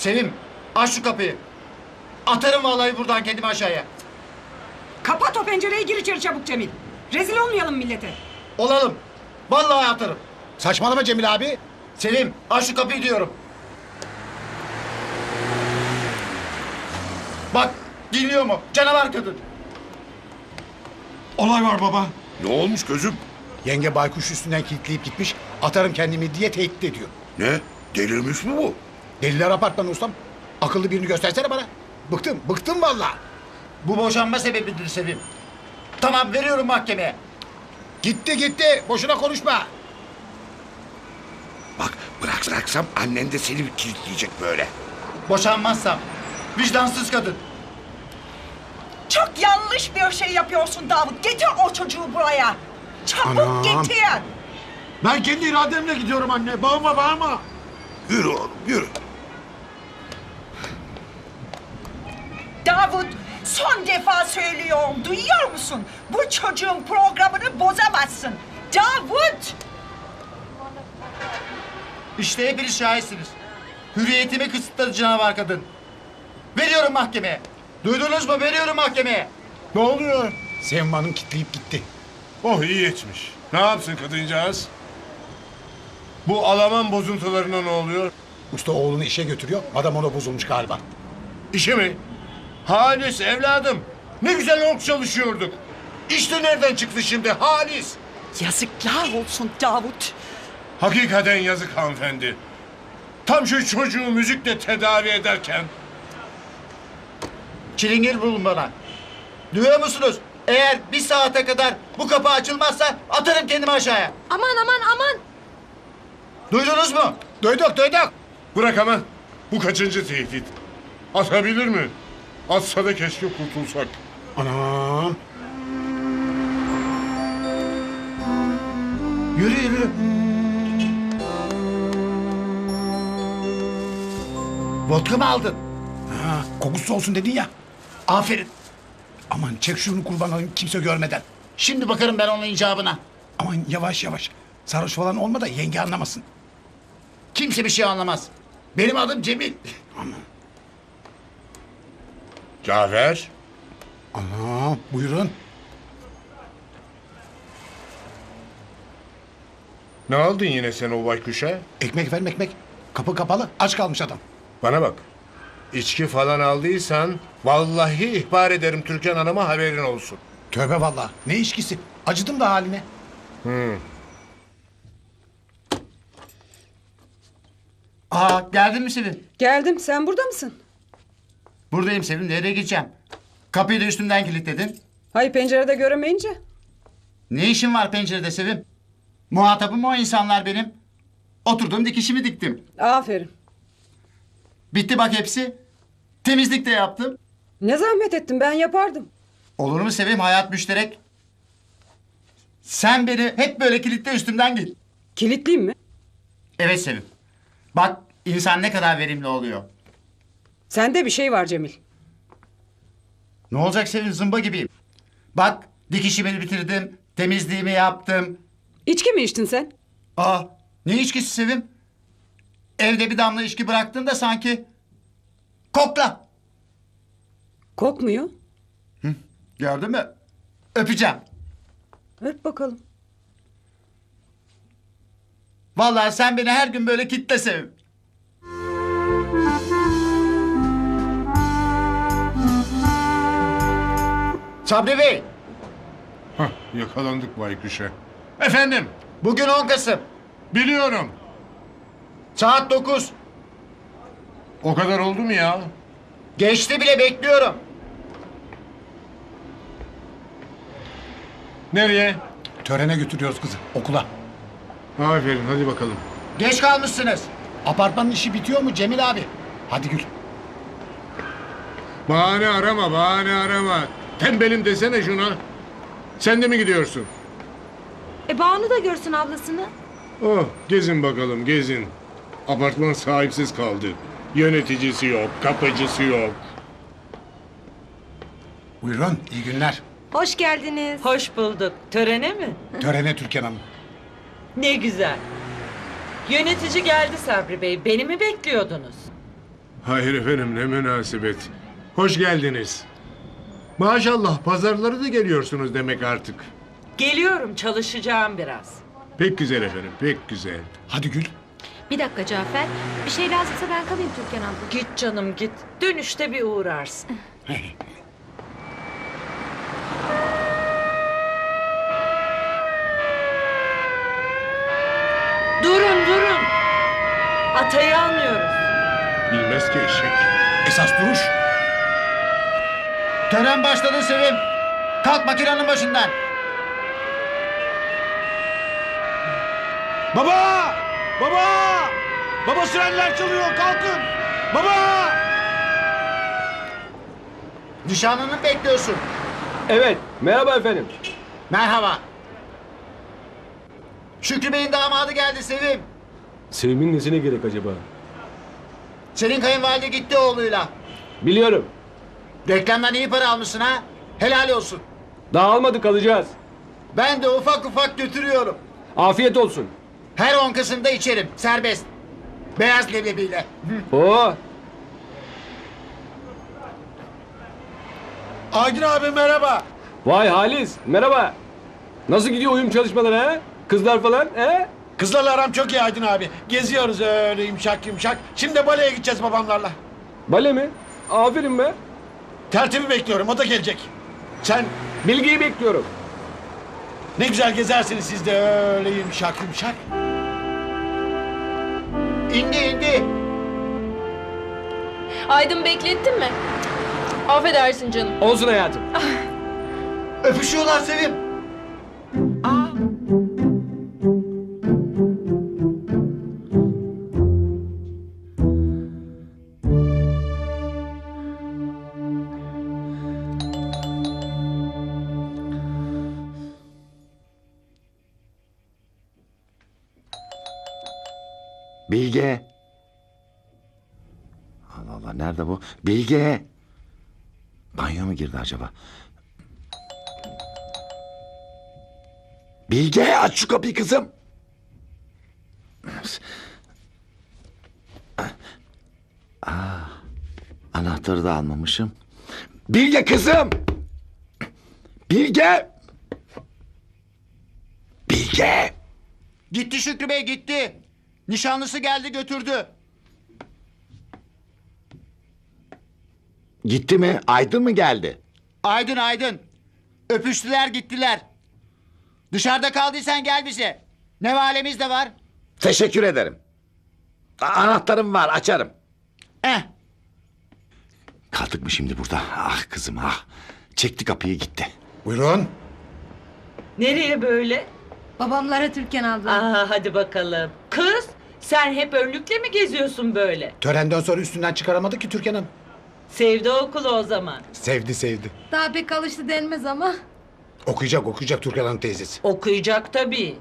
Sevim, aç şu kapıyı. Atarım vallahi buradan kendimi aşağıya. Kapat o pencereyi, gir içeri çabuk Cemil. Rezil olmayalım millete. Olalım. Vallahi atarım. Saçmalama Cemil abi. Sevim, aç şu kapıyı diyorum. Bak, dinliyor mu? Canavar kadın. Olay var baba. Ne olmuş gözüm? Yenge baykuş üstünden kilitleyip gitmiş. Atarım kendimi diye tehdit ediyor. Ne? Delirmiş mi bu? Deliler apartmanı ustam. Akıllı birini göstersene bana. Bıktım vallahi. Bu boşanma sebebidir Sevim. Tamam, veriyorum mahkemeye. Gitti. Boşuna konuşma. Bak bıraksam annen de seni kilitleyecek böyle. Boşanmazsam. Vicdansız kadın. Çok yanlış bir şey yapıyorsun Davut. Getir o çocuğu buraya. Çabuk Anam. getir. Ben kendi irademle gidiyorum anne. Bağırma. Yürü oğlum yürü. Davut, son defa söylüyorum. Duyuyor musun? Bu çocuğun programını bozamazsın. Davut! İşte hepiniz şahitsiniz. Hürriyetimi kısıtladı canavar kadın. Veriyorum mahkemeye. Duydunuz mu? Veriyorum mahkemeye. Ne oluyor? Sevim Hanım kilitleyip gitti. Oh iyi etmiş. Ne yapsın kadıncağız? Bu Alaman bozuntularına ne oluyor? Usta oğlunu işe götürüyor. Adam ona bozulmuş galiba. İşi mi? Halis evladım. Ne güzel ork çalışıyorduk. İşte nereden çıktı şimdi Halis? Yazıklar olsun Davut. Hakikaten yazık hanımefendi. Tam şu çocuğu müzikle tedavi ederken... Çilingir bulun bana. Duyuyor musunuz? Eğer bir saate kadar bu kapı açılmazsa atarım kendimi aşağıya. Aman. Duydunuz mu? Duyduk. Bırak ama. Bu kaçıncı tehdit? Atabilir mi? Atsa da keşke kurtulsak. Anam. Yürü. Vodka mı aldın? Ha, kokusu olsun dedin ya. Aferin. Aman çek şunu kurban olayım kimse görmeden. Şimdi bakarım ben onun icabına. Aman yavaş. Sarhoş falan olma da yenge anlamasın. Kimse bir şey anlamaz. Benim adım Cemil. Cafer. Anam buyurun. Ne aldın yine sen o baykuşa? Ekmek ver ekmek. Kapı kapalı aç kalmış adam. Bana bak. İçki falan aldıysan vallahi ihbar ederim Türkan Hanım'a haberin olsun. Tövbe vallahi ne içkisi. Acıdım da haline. Aa, geldin mi Sevim? Geldim, sen burada mısın? Buradayım Sevim. Nereye gideceğim? Kapıyı da üstümden kilitledin. Hayır, pencerede göremeyince. Ne işin var pencerede Sevim? Muhatabım o insanlar benim. Oturdum dikişimi diktim. Aferin. Bitti bak hepsi. Temizlik de yaptım. Ne zahmet ettin, ben yapardım. Olur mu Sevim? Hayat müşterek. Sen beni hep böyle kilitle üstümden git. Kilitliyim mi? Evet Sevim. Bak insan ne kadar verimli oluyor. Sende bir şey var Cemil. Ne olacak Sevim? Zımba gibiyim. Bak dikişimi bitirdim. Temizliğimi yaptım. İçki mi içtin sen? Aa, ne içkisi Sevim? Evde bir damla içki bıraktın da sanki. Kokla. Kokmuyor. Gördün mü? Öpeceğim. Öp bakalım. Vallahi sen beni her gün böyle kitle Sevim. Sabri Bey, Hah, yakalandık baykuşa. Efendim, bugün 10 Kasım. biliyorum. Saat 9. O kadar oldu mu ya? Geçti bile, bekliyorum. Nereye? Törene götürüyoruz kızı okula. Aferin, hadi bakalım. Geç kalmışsınız. Apartmanın işi bitiyor mu Cemil abi? Hadi Gül. Bahane arama. Tembelim desene şuna. Sen de mi gidiyorsun? Banu da görsün ablasını. Oh, gezin bakalım, gezin. Apartman sahipsiz kaldı. Yöneticisi yok, kapıcısı yok. Buyurun iyi günler. Hoş geldiniz. Hoş bulduk. Törene mi? Törene Türkan Hanım. Ne güzel. Yönetici geldi Sabri Bey. Beni mi bekliyordunuz? Hayır efendim, ne münasebet. Hoş geldiniz. Maşallah pazarları da geliyorsunuz demek artık. Geliyorum, çalışacağım biraz. Pek güzel efendim, pek güzel. Hadi Gül. Bir dakika Cafer. Bir şey lazımsa ben kalayım Türkan abla. Git canım git. Dönüşte bir uğrarsın. Durun durun. Atayı almıyoruz. Bilmez ki eşek. Esas duruş. Tören başladı Sevim. Kalk makinenin başından. Baba! Baba! Baba sirenler çalıyor, kalkın! Baba! Nişanlını bekliyorsun. Evet, merhaba efendim. Merhaba. Şükrü Bey'in damadı geldi Sevim. Sevim'in nesine gerek acaba? Senin kayınvalide gitti oğluyla. Biliyorum. Reklamdan iyi para almışsın ha. Helal olsun. Daha almadık, alacağız. Ben de ufak ufak götürüyorum. Afiyet olsun. Her 10 Kasım'da içerim. Serbest. Beyaz leblebiyle. Oo, Aydın abi merhaba. vay Halis, merhaba. Nasıl gidiyor uyum çalışmaları ha? Kızlar falan he? Kızlarla aram çok iyi Aydın abi. Geziyoruz öyle yumuşak yumuşak. Şimdi de baleye gideceğiz babamlarla. Bale mi? Aferin be. Tertibi bekliyorum, o da gelecek. Sen Bilgiyi bekliyorum. ne güzel gezersiniz siz de öyle yumuşak yumuşak. İndi indi. Aydın beklettin mi? Affedersin canım. Olsun hayatım. Öpüşüyorlar Sevim. Bilge. Allah Allah, nerede bu? Bilge. Banyo mu girdi acaba? Bilge, aç şu kapıyı kızım. Anahtarı da almamışım. Bilge kızım. Bilge. Bilge. Gitti Şükrü Bey gitti. Nişanlısı geldi götürdü. Gitti mi? Aydın mı geldi? Aydın Aydın. Öpüştüler gittiler. Dışarıda kaldıysan gel bize. Ne valemiz de var. Teşekkür ederim. Anahtarım var, açarım. Eh. Kaldık mı şimdi burada? Ah kızım ah. Çekti kapıyı gitti. Buyurun. Nereye böyle? Babamlara Türkan abla. Aa, hadi bakalım. Kız, sen hep önlükle mi geziyorsun böyle? Törenden sonra üstünden çıkaramadık ki Türkan Hanım. Sevdi okulu o zaman. Sevdi. Daha pek alıştı denmez ama. Okuyacak Türkan Hanım teyzesi. Okuyacak tabii.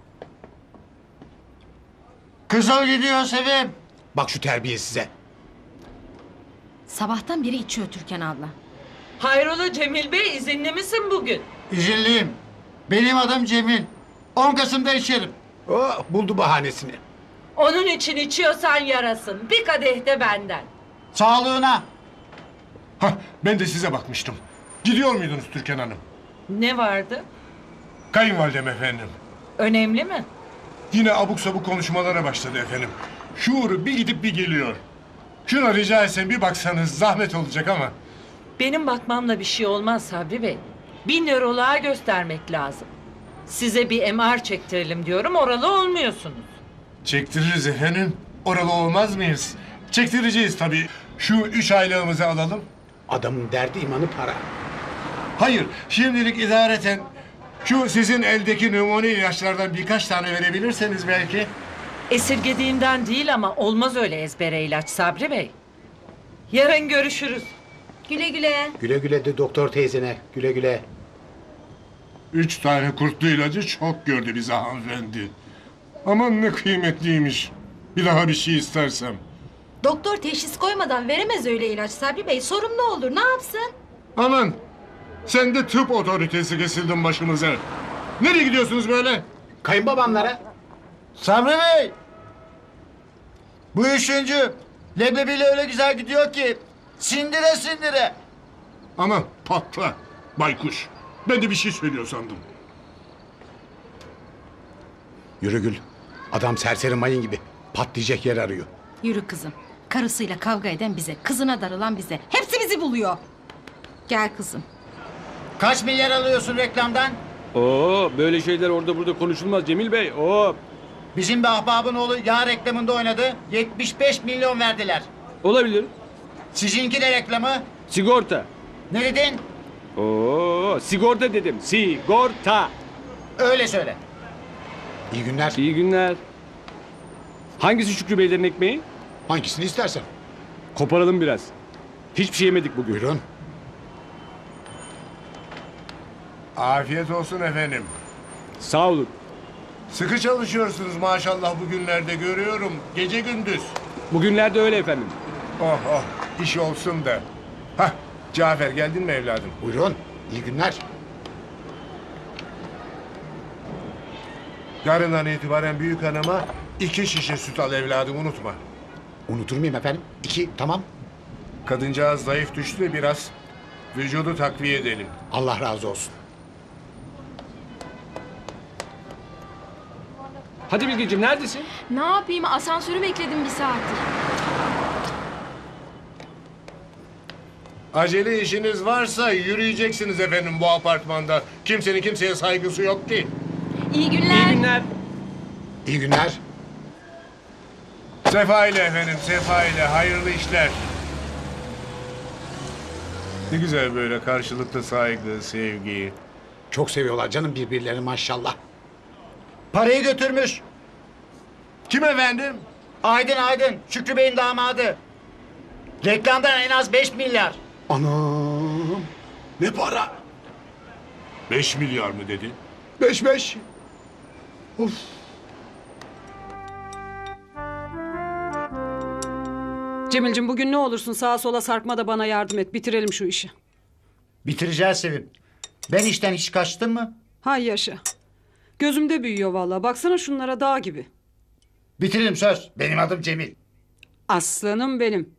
Kızıl gidiyor Sevim. Bak şu terbiye size. Sabahtan beri içiyor Türkan abla. Hayrola Cemil Bey, izinli misin bugün? İzinliyim. Benim adım Cemil. 10 Kasım'da içerim. Oh, buldu bahanesini. Onun için içiyorsan yarasın. Bir kadeh de benden. Sağlığına. Hah, ben de size bakmıştım. Gidiyor muydunuz Türkan Hanım? Ne vardı? Kayınvalidem efendim. Önemli mi? Yine abuk sabuk konuşmalara başladı efendim. Şuuru bir gidip bir geliyor. Şuna rica etsem bir baksanız, zahmet olacak ama. Benim bakmamla bir şey olmaz Sabri Bey. Bir nöroloğa göstermek lazım. Size bir MR çektirelim diyorum, oralı olmuyorsunuz. Çektiririz efendim. Oralı olmaz mıyız? Çektireceğiz tabii. Şu 3 aylığımızı alalım. Adamın derdi imanı para. Hayır, şimdilik idareten şu sizin eldeki numune ilaçlardan birkaç tane verebilirseniz belki. Esirgediğimden değil ama olmaz öyle ezbere ilaç Sabri Bey. Yarın görüşürüz. Güle güle. Güle güle de doktor teyzene. Güle güle. 3 tane kurtlu ilacı çok gördü bize hanımefendi. Aman ne kıymetliymiş. Bir daha bir şey istersem. Doktor teşhis koymadan veremez öyle ilaç Sabri Bey. Sorun ne olur, ne yapsın? Aman sen de tıp otoritesi kesildin başımıza. Nereye gidiyorsunuz böyle? Kayınbabamlara. Sabri Bey. Bu üçüncü. Leblebiyle öyle güzel gidiyor ki. Sindire sindire. Ama patla baykuş. Ben de bir şey söylüyor sandım. Yürü Gül. Adam serseri mayın gibi. Patlayacak yer arıyor. Yürü kızım. Karısıyla kavga eden bize, kızına darılan bize. Hepsi bizi buluyor. Gel kızım. Kaç milyar alıyorsun reklamdan? Oo, böyle şeyler orada burada konuşulmaz Cemil Bey. Oo, Bizim bir ahbabın oğlu yağ reklamında oynadı. 75 milyon verdiler. olabilir. Sizinki de reklamı. Sigorta. Ne dedin? Oo, sigorta dedim. Sigorta. Öyle söyle. İyi günler. İyi günler. Hangisi Şükrü Beylerin ekmeği? Hangisini istersen. Koparalım biraz. Hiçbir şey yemedik bugün. Buyurun. Afiyet olsun efendim. Sağ olun. Sıkı çalışıyorsunuz maşallah bugünlerde görüyorum. Gece gündüz. Bugünlerde öyle efendim. Oh oh iş olsun da. Hah Cafer geldin mi evladım? Buyurun. İyi günler. Yarından itibaren büyük hanıma 2 şişe süt al evladım unutma. Unutur muyum efendim? 2 tamam. Kadıncağız zayıf düştü de biraz. Vücudu takviye edelim. Allah razı olsun. Hadi Bilgeciğim neredesin? Ne yapayım? Asansörü bekledim bir saattir. Acele işiniz varsa yürüyeceksiniz efendim bu apartmanda. Kimsenin kimseye saygısı yok ki. İyi günler. İyi günler. İyi günler. Sefa ile efendim, sefa ile. Hayırlı işler. Ne güzel böyle karşılıklı saygı, sevgi. Çok seviyorlar canım birbirlerini maşallah. Parayı götürmüş. Kim efendim? Aydın Şükrü Bey'in damadı. Reklamdan en az 5 milyar. Anam. Ne para? 5 milyar mı dedi? 5. Of. Cemil'cim bugün ne olursun sağa sola sarkma da bana yardım et. Bitirelim şu işi. Bitireceğiz Sevim. Ben işten hiç kaçtım mı? Hay yaşa. Gözümde büyüyor vallahi. Baksana şunlara dağ gibi. Bitiririm söz. Benim adım Cemil. Aslanım benim.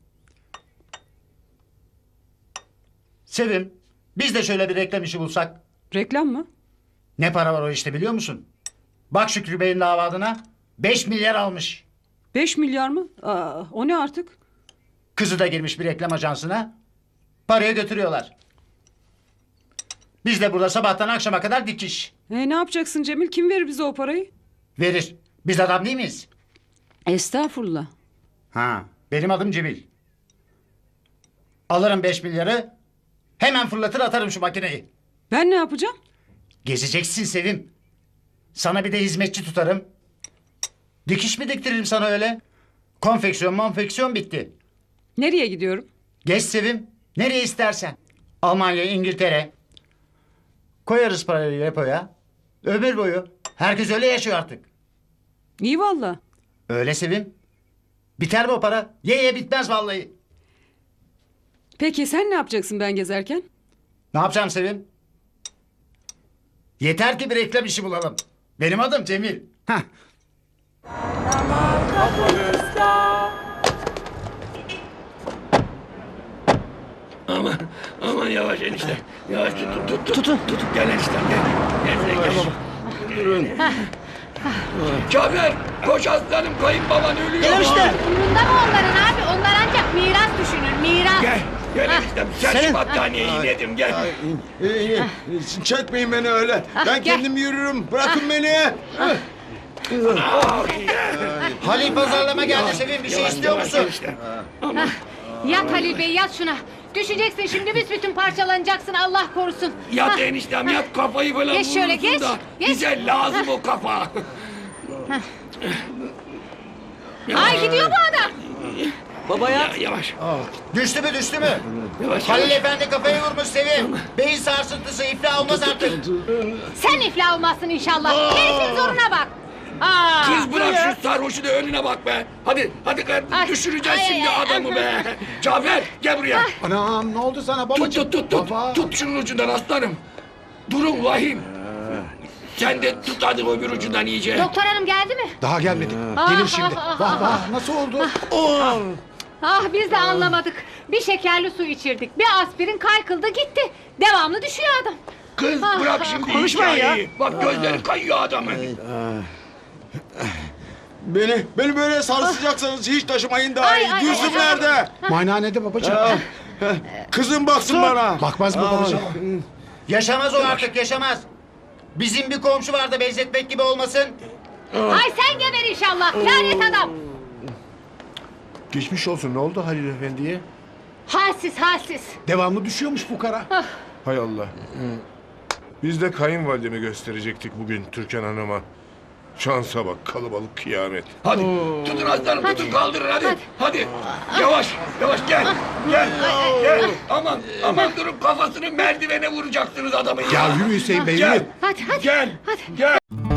Sevim, biz de şöyle bir reklam işi bulsak. Reklam mı? Ne para var o işte biliyor musun? Bak Şükrü Bey'in davadına 5 milyar almış. 5 milyar mı? Aa, o ne artık? Kızı da girmiş bir reklam ajansına. Parayı götürüyorlar. Biz de burada sabahtan akşama kadar dikiş. Ne yapacaksın Cemil? Kim verir bize o parayı? Verir. Biz adam değil miyiz? Estağfurullah. Ha, benim adım Cemil. Alırım 5 milyarı. Hemen fırlatır atarım şu makineyi. Ben ne yapacağım? Gezeceksin Sevim. Sana bir de hizmetçi tutarım. Dikiş mi diktiririm sana öyle? Konfeksiyon bitti. Nereye gidiyorum? Geç Sevim. Nereye istersen. Almanya, İngiltere. Koyarız parayı repoya. Ömür boyu. Herkes öyle yaşıyor artık. İyi valla. Öyle Sevim. Biter mi o para? Ye bitmez vallahi. Peki sen ne yapacaksın ben gezerken? Ne yapacağım Sevim? Yeter ki bir reklam işi bulalım. Benim adım Cemil. Heh. Aman yavaş enişte. Yavaş tutun. Gel eniştem gel. Gel. Durun. Cafer koş aslanım kayınbaban ölüyor. Gel enişte. Umrunda mı onların abi? Onlar ancak miras düşünür, miras. Gel eniştem. Sen şu battaniyeyi yedim gel. Çekmeyin beni öyle. Ben kendim yürürüm. Bırakın beni. Halil pazarlama geldi Sevim. Bir şey istiyor musun? Yat Halil Bey, yat şuna. Düşeceksin şimdi, büsbütün parçalanacaksın, Allah korusun. Yat eniştem yat kafayı falan Geç şöyle, vurursun geç, da. geç. Bize lazım o kafa. Ay gidiyor bu adam. Yavaş. Düştü mü? Yavaş. Halil Efendi kafayı vurmuş Sevim. Beyin sarsıntısı iflah olmaz artık. Sen iflah olmazsın inşallah. Herifin zoruna bak. Aa, Kız bırak şu sarhoşu da önüne bak be. Hadi kardeşim Ay, düşüreceğiz ay, şimdi ay, adamı ay. be. Cafer gel buraya. Anam ne oldu sana babacığım? Tut. Baba. Tut şunun ucundan aslanım. Durun vahim. Sen de tut hadi öbür ucundan iyice. doktor hanım geldi mi? Daha gelmedi. Ah, Gelir şimdi. ah, ah, Vah ah, vah nasıl oldu? Ah biz de anlamadık. Bir şekerli su içirdik. Bir aspirin kaykıldı gitti. Devamlı düşüyor adam. Kız Ah, bırak şimdi konuşmayın ya. hikayeyi. Bak gözleri kayıyor adamın. Beni böyle sarsacaksanız hiç taşımayın daha Ay, iyi. ay, Gülsüm ay, ay. nerede? Muayenehanede babacığım. Kızım baksın bana. Bakmaz mı babacığım? Yaşamaz o artık yaşamaz. Bizim bir komşu vardı benzetmek gibi olmasın. Ay sen geber inşallah. Lanet adam. Geçmiş olsun. Ne oldu Halil Efendi'ye? Halsiz halsiz. Devamlı düşüyormuş fukara. Hay Allah. Biz de kayınvalidemi gösterecektik bugün Türkan Hanım'a. Şansa bak kalabalık kıyamet. Hadi tutun aslanım tutun kaldırın hadi. Hadi. Yavaş gel. Gel. Aman durun kafasını merdivene vuracaksınız adamın ya. Ya yürü Hüseyin Bey Gel. yürü. Hadi hadi. Gel.